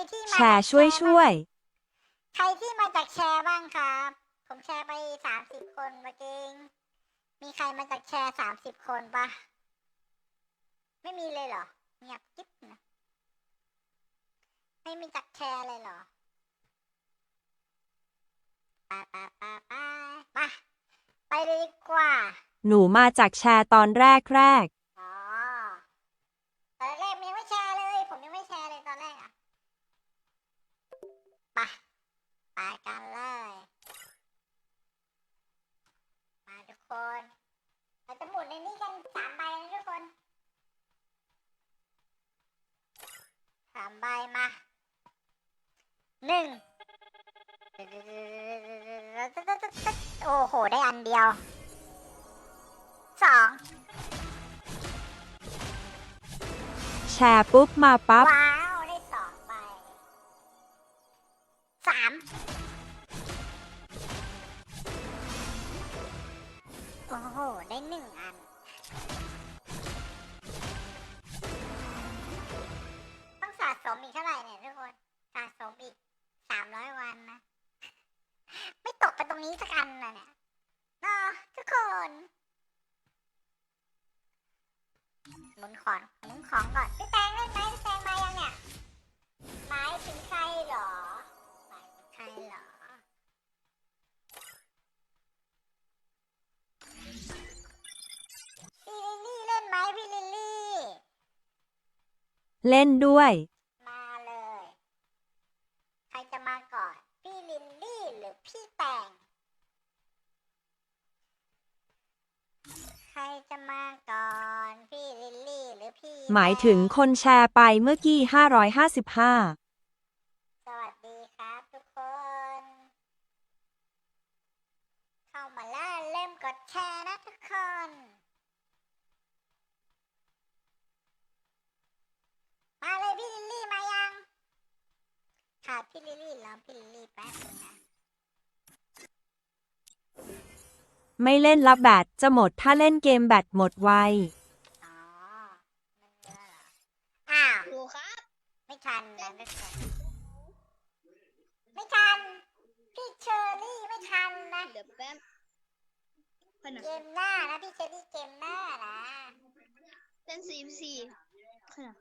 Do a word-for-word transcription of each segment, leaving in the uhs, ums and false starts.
ที่แชมาร์ช่วยช่วยใครที่มาจากแชร์บ้างครับ ผมแชร์ไปสามสิบคนเมื่อกี้มีใครมาจากแชร์สามสิบคนปะไม่มีเลยเหรอเงียบกิ๊บนะไม่มีจากแชร์เลยเหรอไปไปไปไปไปไปเลยดีกว่าหนูมาจากแชร์ตอนแรกแรกอ๋อตอนแรกยังไม่แชร์เลยผมยังไม่แชร์เลยตอนแรกอ่ะไปไปกันเลยมาทุกคนเราจะหมุนในนี้กันสามใบนะทุกคนสามใบมาหนึ่งโอ้โหได้อันเดียวสองแชร์ปุ๊บมาปั๊บว้าวได้สองใบสามโอ้โหได้หนึ่งอันต้องสะสมอีกเท่าไหร่เนี่ยทุกคนสะสมอีกสามร้อยวันนะไม่ตกไปตรงนี้สักอันนะเนี่ยเนาะทุกคนหมุนของหมุนของก่อนพี่แตงเล่นไหมพี่แตงมายังเนี่ยหมายถึงใครเหรอหมายถึงใครเหรอพี่ลิลลี่เล่นไหมพี่ลิลลี่เล่นด้วยมาเลยใครจะมาก่อนพี่ลิลลี่หรือพี่แตงใครจะมาก่อนพี่ลิลลี่หรือพี่หมายถึงคนแชร์ไปเมื่อกี้ห้าร้อยห้าสิบห้าสวัสดีครับทุกคนเข้ามาแล้วเริ่มกดแชร์นะทุกคนมาเลยพี่ลิลลี่มายังค่ะพี่ลิลลี่รอพี่ลิลลี่แป๊บนึงนะไม่เล่นละแบตจะหมดถ้าเล่นเกมแบตหมดไวอ๋อมันเยอะเหรออ้าวดูครับไม่ทันนะทุกคนไม่ทันพี่เชอรี่ไม่ทันนะเดี๋ยวแป๊บพนักเกมหน้านะพี่เชอรี่เกมหน้านะเล่นซีซีขนาด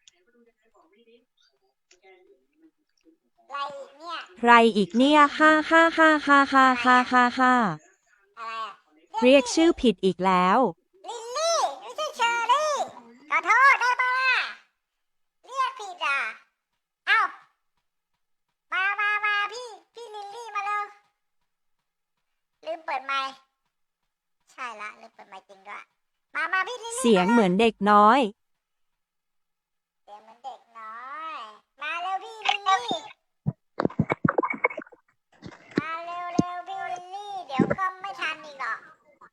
อะไรอีกเนี่ยใครอีกเนี่ยห้าห้าห้าห้าห้าห้าห้าห้าอะไรอะเรียกชื่อผิดอีกแล้วลิลลี่ไม่ใช่เชอรี่ขอโทษได้ปะล่ะเรียกผิดอ่ะเอ้ามามามาพี่พี่ลิลลี่มาเร็วลืมเปิดไมค์ใช่ละลืมเปิดไมค์จริงด้วยมามาพี่ลิลลี่เสียงเหมือนเด็กน้อยเสียงเหมือนเด็กน้อยมาเร็วพี่ลิลลี่มาเร็วเร็วพี่ลิลลี่เดี๋ยวก็ไม่ทันอีกหรอก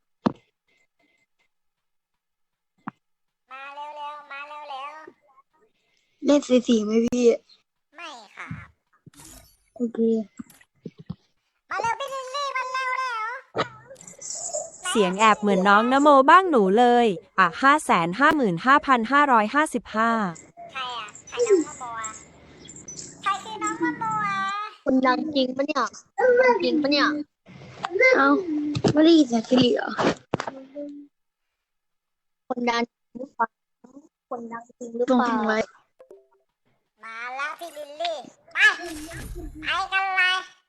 มาเร็วเร็วมาเร็วเร็วเล่นสีสีไหมพี่ไม่ค่ะโอเคมาเร็วพี่ลิลลี่มาเร็วเร็วเสียงแอบเหมือนน้องนโมบ้างหนูเลยอ่ะห้าแสนห้าหมื่นห้าพันห้าร้อยห้าสิบห้าใครอ่ะใครน้องมะโมอ่ะใครคือน้องมะโมอ่ะคนดังจริงปะเนี่ยดังจริงปะเนี่ยเอ้าไม่ได้ยินเสียงสิริเหรอคนดังหรือเปล่าคนดังจริงหรือตรงเปล่าทิ้งไว้มาแล้วพี่ลิลลี่ไปไปกันเลย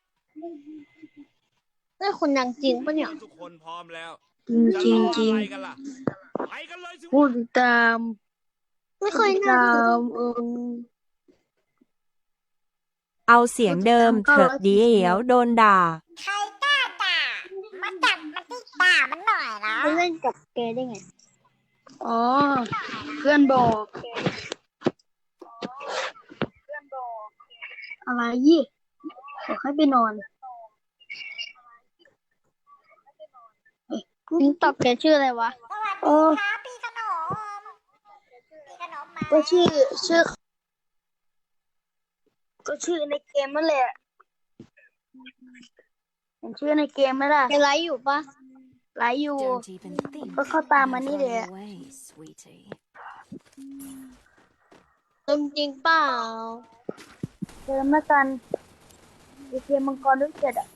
เฮ้ยคนดังจริงปะเนี่ยทุกคนพร้อมแล้วจริงจริงจะจริงออะไรกันล่ะไปกันเลยสิพูดตามไม่เคยตน่าามเออเอาเสียงเดิมเถอะเดี๋ยวโดนด่าใครกล้าด่ามาจับมาที่ด่ามันหน่อยนะเขาเล่นกับแกได้ไงอ๋อเพื่อนบอกอะไรยี่บอกให้ไปนอนนี่ตอบแกชื่ออะไรวะสวัสโอ้ดีครับพี่ขนมพี่ขนมมาก็ชื่อชื่อ ก็ชื่อในเกมนั่นแหละเห็นชื่อในเกมไหมล่ะแกไลฟ์อยู่ปะไลฟ์อยู่ Don't even think ก็เข้าตามมานี่ of แห running ละ away, sweetie. จริงจริงเปล่าเติมแล้วกันไอเกมมังกรด้วยเจ็ดอ่ะ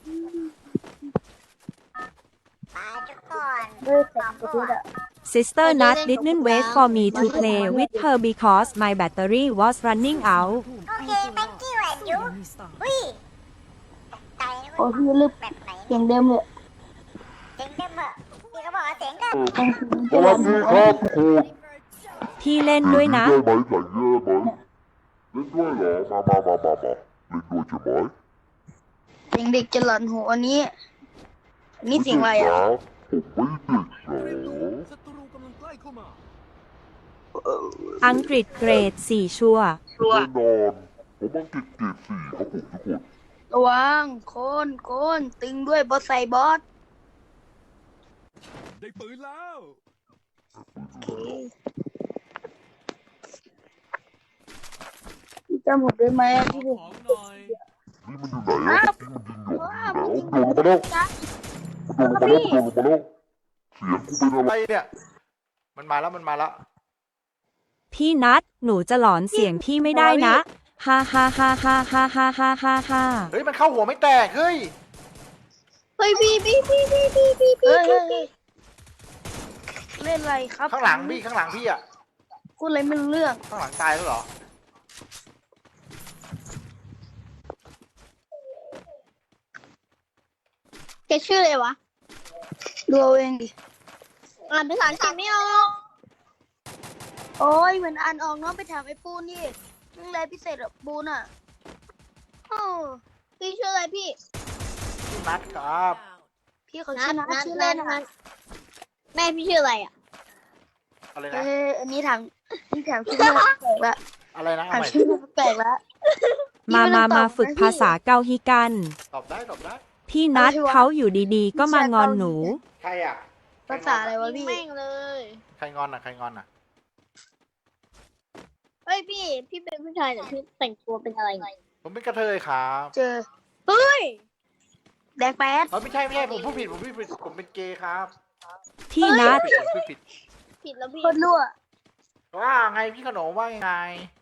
ไปทุกคนด้วยเสร็จกับเพชรอ่ะ Sister Nut didn't wait for me to play with her because my battery was running out โอเค thank you and you อุ้ยตกใจนะโอ้เว้ยพี่ลึกแบบไหนเสียงเดิมเลยเสียงเดิมเหรอพี่เขาบอกว่าเสียงเดิมต้องถึงสวัสดีครับครูพี่เล่นด้วยนะได้ไหมใส่เยอะไหมเล่นด้วยเหรอ มามามามามาเล่นด้วยใช่ไหมเสียงเด็กจะหลอนหูอันนี้อันนี้เสียงอะไรอ่ะผมไม่เด็กเหรอศัตรูกำลังใกล้เข้ามาอังกฤษเกรดสี่ชัวร์แน่นอนผมอังกฤษเกรดสี่ครับผมทุกคนระวังโคนโคนตึงด้วยบอสใส่บอสได้ปืนแล้วพี่จำผมได้ไหมขอที่ผมของหน่อยนี่มันอยู่ไหนอะที่มันยิงหยอกอยู่แล้วโดนลงมาแล้วโดนลงมาแล้วโดนลงมาแล้วเสียงกูเป็นอะไรอะไรเนี่ย มันมาแล้วมันมาแล้วพี่นัดหนูจะหลอนเสียงพี่ไม่ได้นะฮ่าฮ่าฮ่าฮ่าฮ่าฮ่าฮ่าฮ่าฮ่าเฮ้ยมันเข้าหัวไม่แตก เฮ้ยเฮ้ยพี่พี่พี่พี่พี่พี่พี่เล่นอะไรครับข้างหลังพี่ข้างหลังพี่อ่ะพูดอะไรไม่รู้เรื่องข้างหลังตายแล้วเหรอแกชื่ออะไรวะดูเอาเองดิอ่านภาษาอังกฤษไม่ออกโอ้ยเหมือนอ่านออกเนาะไปถามไอ้ปูนดิเรื่องอะไรพิเศษอะปูนอะโอ้พี่ชื่ออะไรพี่พี่นัทครับพี่เขาชื่อนัทชื่อเล่นอะแม่พี่ชื่ออะไรอ่ะอะไรเอนะออันนี้ถามนี่ถามชื่อแม่แปลกละอะไรนะถามเอาใหม่ชื่อแม่แปลกละมามามาฝึกภาษาเกาฮีกันตอบได้ตอบได้พี่นัดเขาอยู่ดีๆ ก็มางอนหนูใครอ่ะภาษาอะไรวะพี่แม่งเลยใครงอนอ่ะ ใครงอนอ่ะเฮ้ยพี่ พี่เป็นผู้ชายแต่พี่แต่งตัวเป็นอะไรไงผมเป็นกระเทยครับเจอเฮ้ยแดงแป๊ดเออไม่ใช่ไม่ใช่ผมพูดผิดผมพูดผิดผมเป็นเกย์ครับพี่นัดผมพูดผิดผิดแล้วพี่โคนรั่วว่าไงพี่ขนมว่ายังไง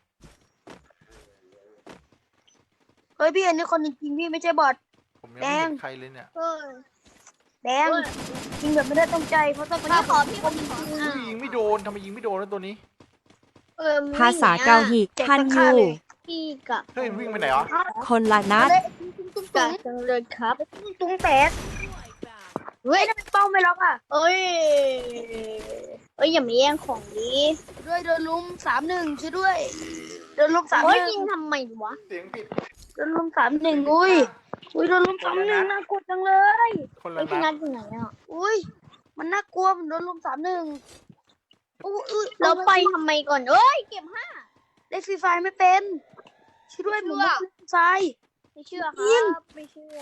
เฮ้ยพี่อันนี้คนจริงๆพี่ไม่ใช่บอทผมยังไม่เห็นใครเลยเนี่ยเฮ้ยแดงจริงแบบไม่ได้ตั้งใจเพราะต้องคนมานี้ขอพี่คนขออ่ะยิงไม่โดนทำไมยิงไม่โดนแล้วตัวนี้เออภาษาเกาฮีคันยูพี่กับเฮ้ยวิ่งไปไหนอ่ะคนละนัดตุ้งตุ้งจังเลยครับตุ้งแป๊ดเฮ้ยทำไมเป้าไม่ล็อกอ่ะเอ้ยเอ้ยอย่ามาแย่งของดีด้วยโดนลุมสามหนึ่งช่วยด้วยโดนลุมสามหเฮ้ยนึ่งยิงทำไมวะเสียงผิดโดนลุมสามหนึ่งอุ้ยอุ้ยโดนลุมสามหนึ่งน่ากลัวจังเลยคนเฮ้ละยพี่นันัดดอยู่ไหนอ่ะอุ้ยมันน่ากลัวมันโดนลุมสามหนึ่งอุ้ยอุ้ยเราไปทำไมก่อนเอ้ยเก็บห้าเล่นฟรีไฟไม่เป็นช่วยด้วยหมูฟรีไฟไม่เชื่อครับไม่เชื่อ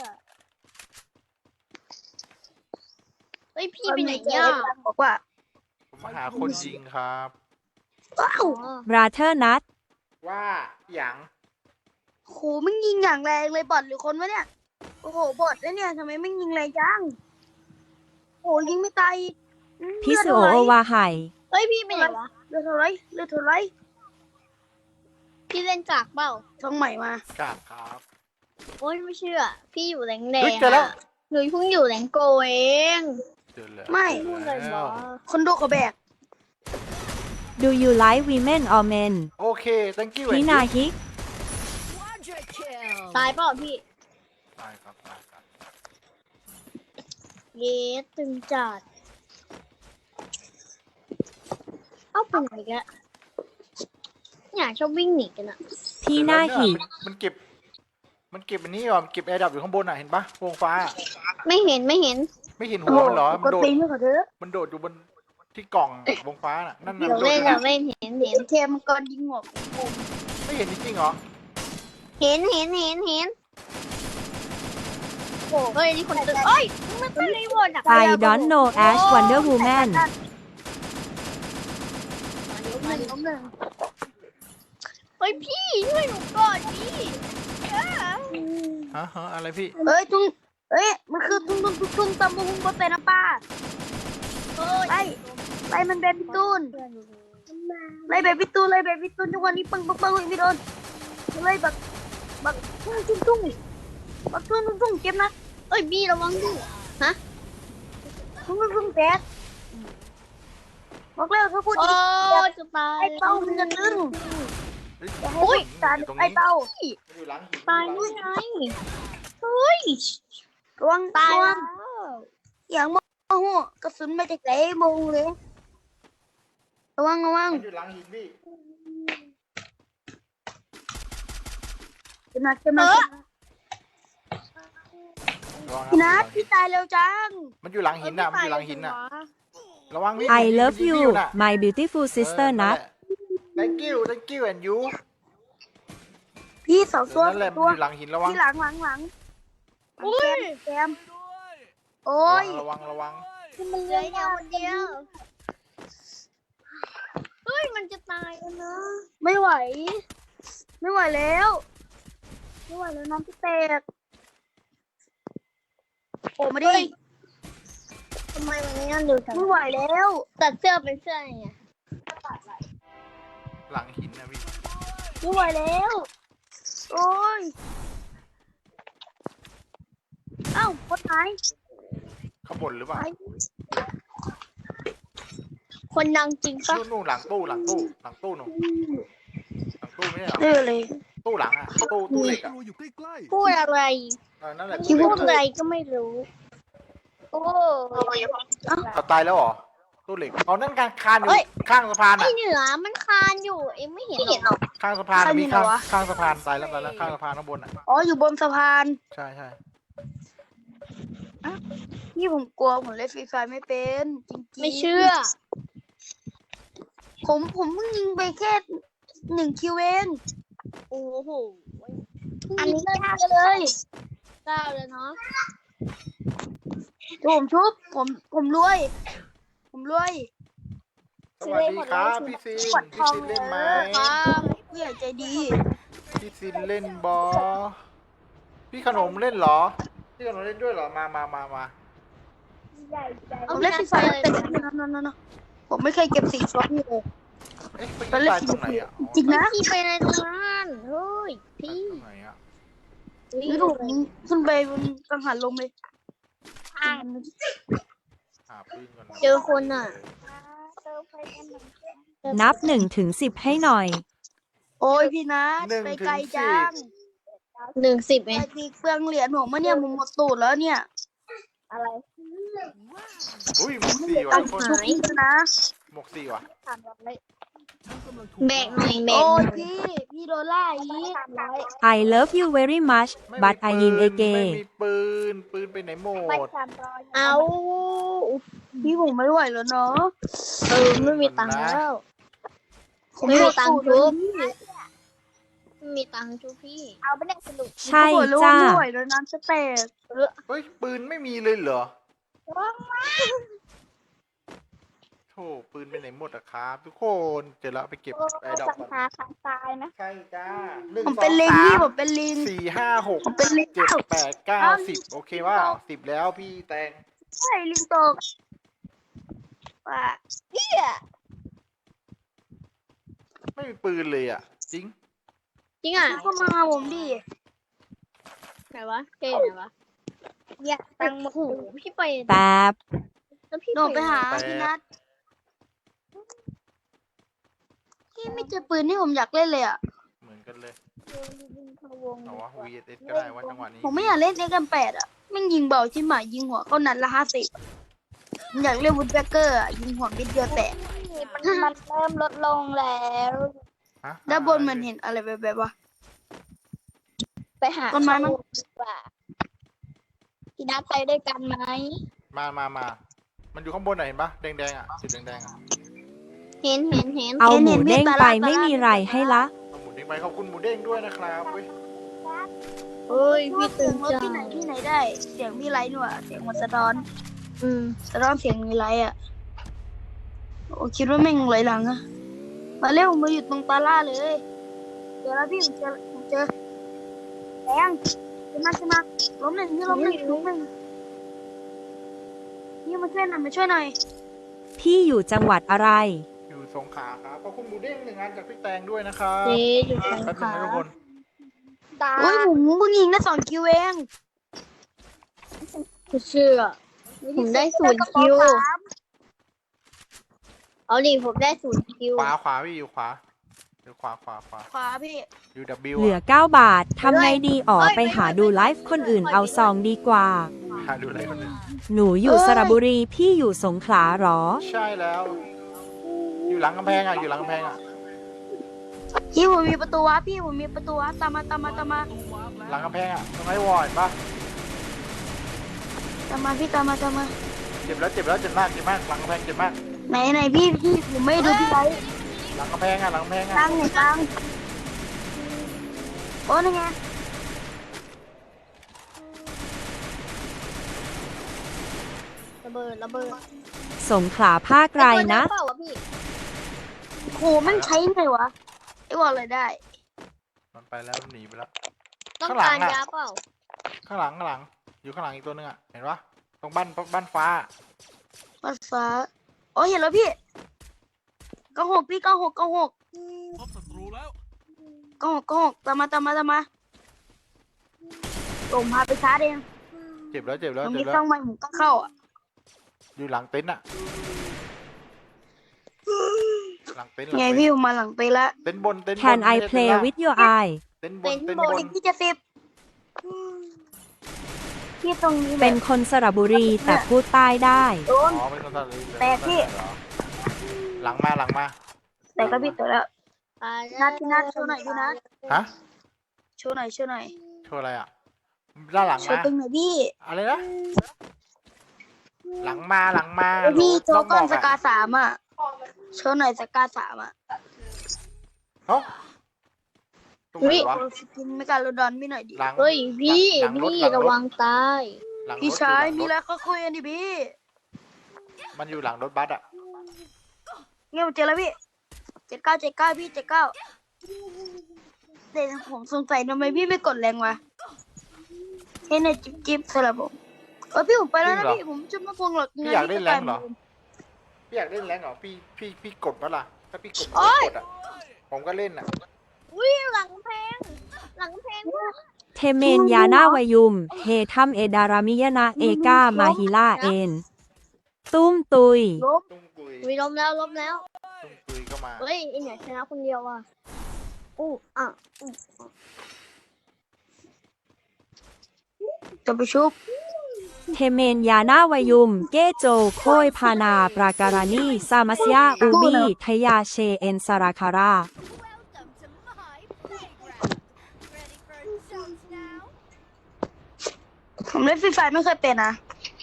เฮ้ยพี่ไปไหนเนี่ยบอกว่าผมมาหาคนยิงครับว้าวบราเธอร์นัดว่าอย่างโหมันยิงอย่างแรงเลยบอทหรือคนวะเนี่ยโอ้โหบอทแล้วเนี่ยทำไมไม่ยิงแรงจังโหยิงไม่ตายอีกอืมพี่สุโอโอวาไห่เฮ้ยพี่ไปไหนวะเลือดเท่าไรเลือดเท่าไรพี่เล่นจากเปล่าช่องใหม่มากาดครับโอ้ยไม่เชื่อ พี่อยู่แรงแดเฮ้ยงเจอแล้วอะหนูเพิ่งอยู่แรงโกเองเจอแล้วไม่พูดอะไรแล้วะวคนดูเขาแบก Do you like women or men โอเค thank you พี่นาฮิกตายเปล่าพี่ตายครับตายครับเย้ตึงจัดเอ้าเป็นไงแกะอยากชอบวิ่งหนีกันอะพี่นาหิกมันมันเก็บ มันเก็บอันนี้ก่อนมันเก็บแอร์ดับอยู่ข้างบนอ่ะ เห็นปะวงฟ้าไม่เห็นไม่เห็นไม่เห็นโอ้หัโหวมันเหรอกมันดโดดตีนให้เขาเถอะมันโดดอยู่บนที่กล่องวงฟ้าน่ะ นั่นน่ะเดี๋ยวมันโดดเล่นอยู่เดี๋ยนะวเล่นเห็นเห็นเทมังกรยิงหัวไม่เห็นจริงๆเหรอเห็นเห็นเห็นเห็นโอ้เฮ้ยนี่คนตึงเอ้ยมันเป็นรีโวร์ดอะ I don't know Ash Wonder Woman หนึ่งล้มหนึ่งเฮ้ยพี่ช่วยหนูก่อนดิอ่าฮะฮะอะไรพี่เอ้ยตุ้งเอ้ยมันคือตุ้งตุ้งตุ้งตุ้งตำบุ้งบนเป็นน้ำปลาเฮ้ยไล่ไล่มันแบบพี่ตูนไล่แบบพี่ตูนไล่แบบพี่ตูนทุกวันนี้ปังปังปังไม่โดนไล่แบบบักทุ่งทุ่งทุ่งบักทุ่งทุ่งทุ่งเจ็บนะเอ้ยบีระวังดิฮะทุ่งทุ่งทุ่งแตกบอกแล้วถ้าพูดโอ้อีกจะตายไอ้เป้ามันจะตึงเฮ้ยจะให้โอ้ยการอยู่ตรงไอ้นี้เป้ามันอยู่หลังหินตายมันอนู่ยู่นหลังไงหินเฮ้ยระวังตายระแล้วัวงอย่างโมโหกระสุนไม่ได้ไหลโมงเลยระวังระวังมันอยู่หลังหินพี่เจ็บหนักเจ็บหนักระวังพี่นันะทพี่ตายเร็วจังมันอยู่หลังหินน่ะมันอยู่หลังหินน่ะระวังพี่ I love มันง you พี่น่ะ my beautiful sister เออนัทแหละ thank you thank you and you พี่สองตัวนั่นแหละตัมันวอยู่หลังหินระวังที่หลังหลังหลังอุ้ยแซมโอ้ยระวังระวังคือมันเหลืออย่างคนเดียวเฮ้ยมันจะตายแล้วนะไม่ไหว ไม่ไหวแล้ว ไม่ไหวแล้วน้ำพี่แตกโอ้ไม่ได้ทำไมมันงั้นเร็วจังไม่ไหวแล้วตัดเสื้อเป็นเสื้อไงหลังหินนะพี่ไม่ไหวแล้ว โอ้ยเอ้าคนไหนข้างบนหรือเปล่าคนดังจริงปะนู่นนู่นหลังตู้หลังตู้หลังตู้หนูหลังตู้ไม่ใช่เหรอเออเลยตู้หลังอะตู้ตู้เหล็กอะตัวอยู่ใกล้พูดอะไรเออนั่นแหละคิดพูดอะไรก็ไม่รู้ โอ้เขาตายแล้วเหรอตู้เหล็กเอานั่นการคานอยู่เอ้ยข้างสะพานไออะเหนือมันคานอยู่ เอ็งไม่เห็นหรอข้างสะพานอะมีข้างข้างสะพานตายแล้วตายแล้วข้างสะพานข้างบนอะอ๋ออยู่บนสะพานใช่ใช่นี่ผมกลัวผมเล่นฟรีไฟไม่เป็นจริงๆไม่เชื่อผมผมเพิ่งยิงไปแค่หนึ่งคิวเองโอ้โหอันนี้ยากเลยเก้าเลยเนาะผมชุบผมผมรวย ผมรวยสวัสดีครับพี่ซินพี่ซินเล่นไหมครับผู้ใหญ่ใจดีพี่ซินเล่นบอพี่ขนมเล่นเหรอพี่ขนมเล่นด้วยเหรอมามามามาผมเล่นฟรีไฟไม่เป็นนั่นนั่นนั่นผมไม่เคยเก็บสิ่งฟล็อกนี่เลยเอ๊ะไปตายตรงไหนอะจริงนะพี่ไปในตรงนั้นเฮ้ยตายพี่ตรงไหนอะนี่ถูกขึ้นไปบนกังหันลมเลยหาปืนก่อนนะเจอคนอ่ะนับหนึ่งถึงสิบให้หน่อยโอ้ยพี่นัทหนึ่งไปถึไกลงจัสิบงหนึ่งสิบไปเองตีเปลืองเหรียญผมมาเนี่ยผมหมดตูดแล้วเนี่ยอะไรอุ้ยหมวกสี่ว่ะตังทุกค์คนชุบนี่นะหมวกสี่ว่ะๆกำลังถูกแบกหน่อยแบกโอ้หยน่อยพี่พี่โดนล่าอีก I love you very much ไม่ but มี I ปื in น a ไม่ gay มีปืนปืนไปไหนหมดเอาพี่ผมไม่ไหวแล้วเนาะเออไม่มีตังค์แล้วผมไม่มีตังค์หดชุตูบดเลยไม่มีตังค์ชุบพี่เอาไปเล่นสนุกใช่ผมรู้จ้าว่าไม่ไหวแล้วน้ำจะแตกเฮ้ยปืนไม่มีเลยเหรอโธ่ปืนไปไหนหมดอะครับทุกคนเจอแล้วไปเก็บไอ้ดอกสังก่อนหาทางตายนะใช่จ้าหนึ่งผมสอเป็นงลิงสาพี่มผมเป็นลิงสี่ห้าหกผมเป็นลิงเจ็ดแปดเก้าสิบโอเคว่าสิบแล้วพี่แตงใช่ลิงตกว่าไม่มีปืนเลยอ่ะ จริงจริงอ่ะเข้ามาหาผมดิไหนวะเกย์ไหนวะอยากตังค์หมดโอ้โหพี่ไปแป๊บแล้วพี่โดดไปหาแปดพี่นัทพี่ไม่เจอปืนที่ผมอยากเล่นเลยอ่ะเหมือนกันเลยเอาวะ วี เอส ก็ได้ว่าจังหวะนี้ผมไม่อยากเล่นเอ็กซ์แปดอ่ะแม่งยิงเบาชิบหมายยิงหัวเขานัดละห้าสิบผมอยากเล่นวูดแบเกอร์อ่ะยิงหัวมิดเดียวแตกมันมันเริ่มลดลงแล้วฮะด้านบนมันเห็นอะไรแบบแบบว่าไปหาต้นไม้มั้งดีกว่าพี่นัดไปด้วยกันไหมมามามามันอยู่ข้างบนน่ะเห็นปะแดงๆอ่ะจุดแดงๆอ่ะเห็นเห็นเห็นเอาหมูเด้งไปไม่มีไรให้ละเอาหมูเด้งไปขอบคุณหมูเด้งด้วยนะครับเว้ยเฮ้ยพี่พี่ตื่ตื่นนรถจัที่งไหนที่ไหนได้ เสียงมีไลท์หน่วยเสียงมันสะท้อนอืมสะท้อนเสียงมีไลท์อ่ะโอ้คิดว่าแม่งไหลหลังอะมาเร็วมาอยู่ตรงตาล่าเลยเจอแล้วพี่ผมเจอผมเจอแดงขึ้นมาขึ้นมาล้มหนึ่งนี่ล้มหนึ่งล้มหนึ่งนี่มาช่วยหน่อยมาช่วยหน่อยพี่อยู่จังหวัดอะไรอยู่สงขลาครับขอบคุณหมูเด้งหนึ่งอันจากพี่แตงด้วยนะครับเจ๊อยู่สงแป๊บขนึงลานะทุกคนดตาโอ้ยผมเพิ่งยิงได้สองคิวเองไม่เชื่อผมได้ศูนย์คิวเอาดิผมได้ศูนย์คิวขวาขวาพี่อยู่ขวาอยู่ขวาขวาขวาขวาพี่อยู่ W เหลือเก้าบาท ทำไงดีอ๋อไปหาดูไลฟ์คนอื่นเอาซองดีกว่าหาดูอะไรคนนึงหนูอยู่สระบุรี พี่อยู่สงขลาหรอใช่แล้ว อยู่หลังกำแพงอ่ะอยู่หลังกำแพงอ่ะพี่ผมมีประตูวะพี่ผมมีประตูวะตามมาตามมาตามมาหลังกำแพงอ่ะตรงไอ้วอร์ดปะตามมาพี่ตามมาตามมาเจ็บแล้วเจ็บแล้วเจ็บมากเจ็บมากหลังกำแพงเจ็บมากไหนไหนพี่พี่ผมไม่ดูพี่ไลท์หลังกำแพงอ่ะหลังกำแพงอ่ะตั้งไหนตั้งโอ้นี่ไงระเบิดระเบิดสงขลาภาคไกลนะเปล่าวะพี่โหมันใช้ไงวะไอ้บอกเลยได้มันไปแล้วหนีไปแล้วต้องข้างหลัการงอะยาเปล่าข้างหลังข้างหลังอยู่ข้างหลังอีกตัวนึงอ่ะเห็นปะตรงบ้านบ้านฟ้าบัดฟ้าโอ้เห็นแล้วพี่เก้าหกพี่เก้าหกเก้าหกพบศัตรูแล้วเก้าหกเก้าหกตามมาตามมาตามมาผมพาไปชาร์จเองเจ็บแล้วเจ็บแล้วมันเจ็มีบแล้ช่อวงใหม่ผมต้องเข้าอ่ะอยู่หลังเต็นท์อ่ะหลังเต็นท์หลังไงเต็นท์พี่ผมมาหลังไปละเต็นท์บนเต็นท์บน Can ไม่ I ใช่ play เต็นท์ล่าง with your eye เต็นท์บนเต็นท์บนอีกที่จะสิบพี่ตรงนี้เป็นคนสระบุรีแต่พูดใต้ได้โดนอ๋อเป็นคนตัดเลยแตกพี่หลังมาหลังมาแต่ก็พี่ตัวแล้วอ่านัดที่นัดโชว์หน่อยพี่นะฮะโชว์หน่อยโชว์หน่อยโชว์อะไรอ่ะด้านหลังโชมาว์ตึงหน่อยพี่อะไรนะหลังมาหลังมาเอ้ยพี่โชต้อว์งก้อนบสอะกาสามอ่ะโชว์หน่อยสกาสามอ่ะเอ้าตรงไหนวะโชว์สกินไม่การโรดอนพี่หน่อยดิหลังเฮ้ยพี่หลังรถพี่หลังรถระวังตายหลังรถพี่ชายอมียู่อะไรหลังรถก็คุยกันดิพี่มันอยู่หลังรถบัสอ่ะเงี้ยผมเจอแล้วพี่เจ็ดเก้าเจ็ดเก้าพี่เจ็ดเก้าแต่ผมสงสัยทำไมพี่ไม่กดแรงวะแค่ในจิ๊บจิ๊บสำหรับผมเออพี่ผมไปแล้วนะพี่ผมจะไม่พวงหรอกพี่อยากเล่นแรงเหรอพี่อยากเล่นแรงเหรอพี่พี่พี่กดปะล่ะถ้าพี่กดผมโอ๊ก็ยกดอ่ะผมก็เล่นอ่ะอุ้ยหลังแพงหลังแพงมากเทเมนยาหน้าวายุม เฮทัมเอดารามิยนาเอกามาฮิลาเอ็น ตุ้มตุยล้มตุ้งกุยวิล้มแล้วล้มแล้วตุ้งกุยก็มาเฮ้ยไอเนี่ยชนะคนเดียวอ่ะอู้อ่ะจะไปชุบเทเมนยาหน้าวายุม เกโจ โคยพานา ปราการานีซามัสยา อูบีทยาเชเอ็นสราคาราผมเล่นฟรีไฟไม่เคยเป็นนะ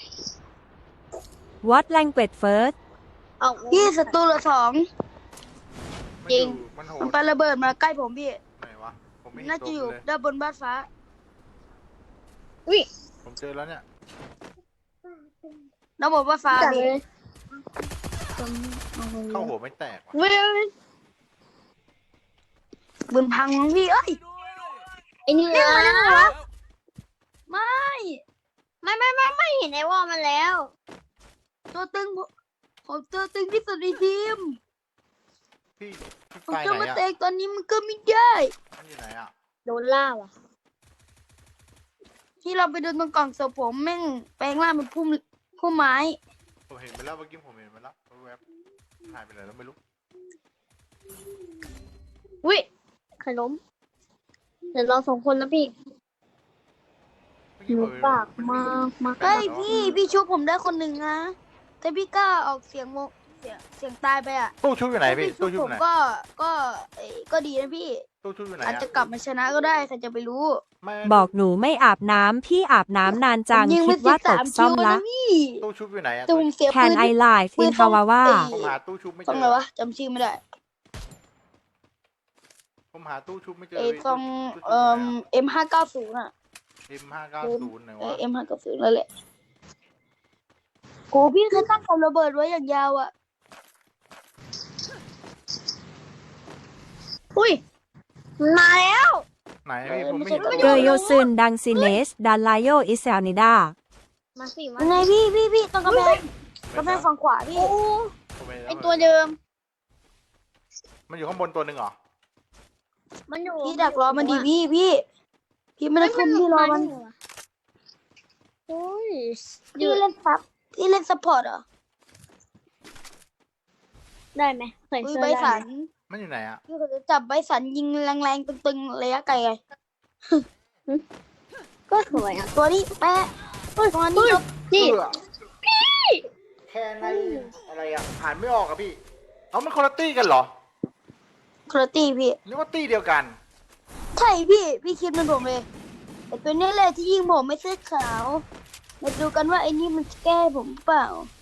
What language first เอาพี่ศัตรูเหลือสองจริงมันโหมันดไประเบิดมาใกล้ผมพี่ไหนวะผมไม่เห็นน่าตัจะวอยู่เลยด้านบนบ้านฟ้าอุ้ยผมเจอแล้วเนี่ยด้านบนบ้านฟ้าจัดพี่เลยเข้าหัวไม่แตกว่ะเว้ยบืนพังมั้งพี่เอ้ยไอเนี่ยไม่ไม่ไม่ไม่ไม่เห็นไอ้วอลมันแล้วตัวตึงผมผมตัวตึงที่สุดในทีมพี่พี่ผมไปจะไหนมาอ่ะเตะตอนนี้มันก็ไม่ได้มันอยู่ไหนอ่ะโดนล่าว่ะที่เราไปเดินตรงกล่องศพผมแม่งแปลงร่างเป็นพุ่มพุ่มไม้ผมเห็นไปแล้วเมื่อกี้ผมเห็นไปแล้วแวบๆหายไปไหนแล้วไม่รู้อุ้ยใครล้มเดี๋ยวเราสองคนนะพี่เมื่อหกี้นูผมเห็นปากมากมากเฮ้ยพี่พี่ชุบผมได้คนหนึ่งนะแต่พี่กล้าออกเสียงโมเสียงเสียงตายไปอ่ะตู้ชุบอยู่ไหนพี่ถ้าตู้ชุชุบบ ผอยู่มไหนก็ก็เอ้ยก็ดีนะพี่ตู้ชุบอยู่ไหนอาจอ่ะจะกลับมาชนะก็ได้ใครจะไปรู้ไม่บอกหนูไม่อาบน้ำ พี่อาบน้ำนานจังผมยิงคิไปดว่าสิบตสาก มซ่อมคิวละนะพี่ตู้ชุบอยู่ไหนอ่ะแต่ผมเสียปื Can น I live ปื in นต้อง Hawawa เอ้ยผมหาตู้ชุบไม่เจต้องออะไรวะจำชื่อไม่ได้ผมหาตู้ชุบไม่เจอเอ้ยพี่ต้องตู้ชุบเอ่อ เอ็มห้าเก้าศูนย์อ่ะเอ็มห้าเก้าศูนย์ไหนเอวะอเอ็มห้าเก้าศูนย์นั่นแหละโหพี่เคยตั้งกับระเบิดไว้อย่างยาวอ่ะอุ้ยมาแล้วไหนพี่ผมไม่เห็นเกยโยซึนดังซิเนสดันไลโยอิเซลนิดามาสิมายังไงพี่พี่พี่ตรงกำแพงกำแพงฝั่งขวาพี่โอ้ผมไม่ห็นไอตัวเดิมมันอยู่ข้างบนตัวหนึ่งเหรอมันอยู่พี่ดักรอมันดีพี่พี่พี่ไม่ได้คุมพี่รอมันโอ้ยพี่เล่นซับพี่เล่นซัพพอร์ตเหรอได้ไหมเคยอุ้ยเสื้อใบได้สันไหมมันอยู่ไหนอะพี่ก็จะจับใบสันยิงแรงๆตึงๆระยะไกลไงก็สวยอ่ะตัวนี้แปะตัวนี้ลบนี่เพื่อแค่ในอะไรอะอ่านไม่ออกอะพี่เอามันคนละตี้กันเหรอครตี้พี่นึกว่าตี้เดียวกันใช่พี่ พี่คิดเหมันผมเลยแต่ตัวนี้แหละที่ยิงผมไม่เสื้อขาว มาดูกันว่าไอ้นี่มันจะแก้ผมเปล่า